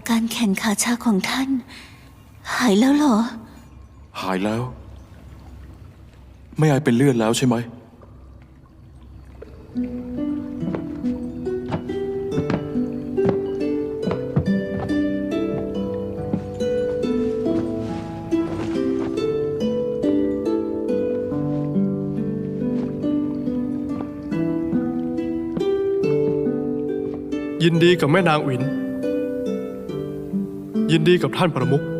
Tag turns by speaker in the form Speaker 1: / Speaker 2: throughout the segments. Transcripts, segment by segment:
Speaker 1: การแขนขาชาของท่านหายแล้วเหรอ
Speaker 2: หายแล้วไม่อายเป็นเลือดแล้วใช่ไหม
Speaker 3: ยินดีกับแม่นางอินยินดีกับท่านประมุข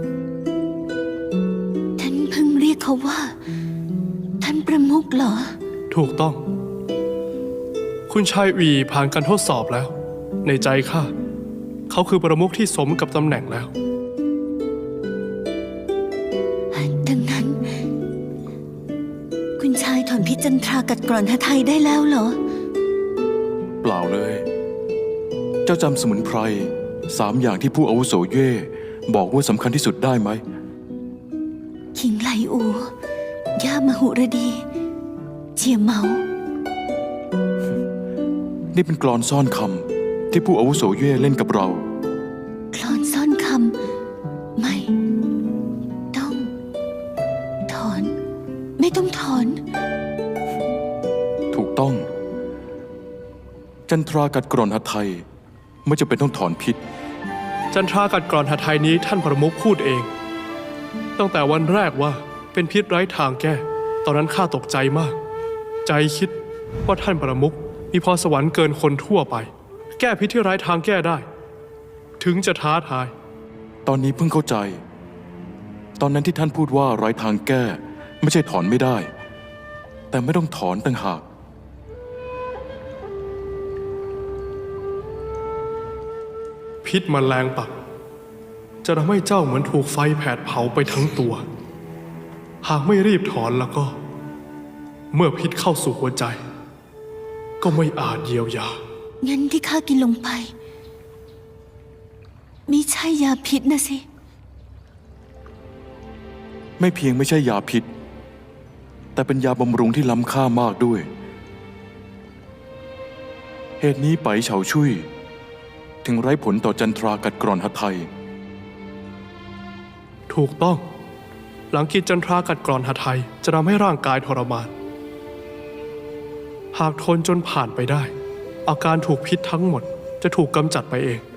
Speaker 1: ท่านเพิ่งเรียกเขาว่าท่านประมุขเหรอ
Speaker 3: ถูกต้องคุณชายอีผ่านการทดสอบแล้วในใจข้าเขาคือประมุขที่สมกับตำแหน่งแล้ว
Speaker 1: ดังนั้นคุณชายถอนพิษจันทรากัดกร่อนหทัยได้แล้วเหรอ
Speaker 2: เปล่าเลยเจ้าจำสมุนไพร3 อย่างที่ผู้อาวุโสเย่บอกว่าสำคัญที่สุดได้ไหม
Speaker 1: ขิงไหลอูย่ามหุรดีเจียเมา
Speaker 2: นี่เป็นกลอนซ่อนคำที่ผู้อาวุโสเย่เล่นกับเรา
Speaker 1: กลอนซ่อนคำไม่ต้องถอนไม่ต้องถอน
Speaker 2: ถูกต้องจันทรากัดกร่อนหทัยไม่จำเป็นต้องถอนพิษ
Speaker 3: จันทรากัดกร่อนหทัยนี้ท่านประมุขพูดเองตั้งแต่วันแรกว่าเป็นพิษไร้ทางแก้ตอนนั้นข้าตกใจมากใจคิดว่าท่านประมุขมีพรสวรรค์เกินคนทั่วไปแก้พิษที่ไร้ทางแก้ได้ถึงจะท้าทาย
Speaker 2: ตอนนี้เพิ่งเข้าใจตอนนั้นที่ท่านพูดว่าไร้ทางแก้ไม่ใช่ถอนไม่ได้แต่ไม่ต้องถอนต่างหาก
Speaker 3: พิษแมลงปักจะทำให้เจ้าเหมือนถูกไฟแผดเผาไปทั้งตัวหากไม่รีบถอนแล้วก็เมื่อพิษเข้าสู่หัวใจก็ไม่อาจเยียวยา
Speaker 1: งั้นที่ข้ากินลงไปมิใช่ยาพิษนะสิ
Speaker 2: ไม่เพียงไม่ใช่ยาพิษแต่เป็นยาบำรุงที่ล้ำค่ามากด้วยเหตุนี้ไปเฉาชุยถึงไร้ผลต่อจันทรากัดกร่อนหทัย
Speaker 3: ถูกต้องหลังกินจันทรากัดกร่อนหทัยจะทำให้ร่างกายทรมานหากทนจนผ่านไปได้อาการถูกพิษทั้งหมดจะถูกกำจัดไปเอง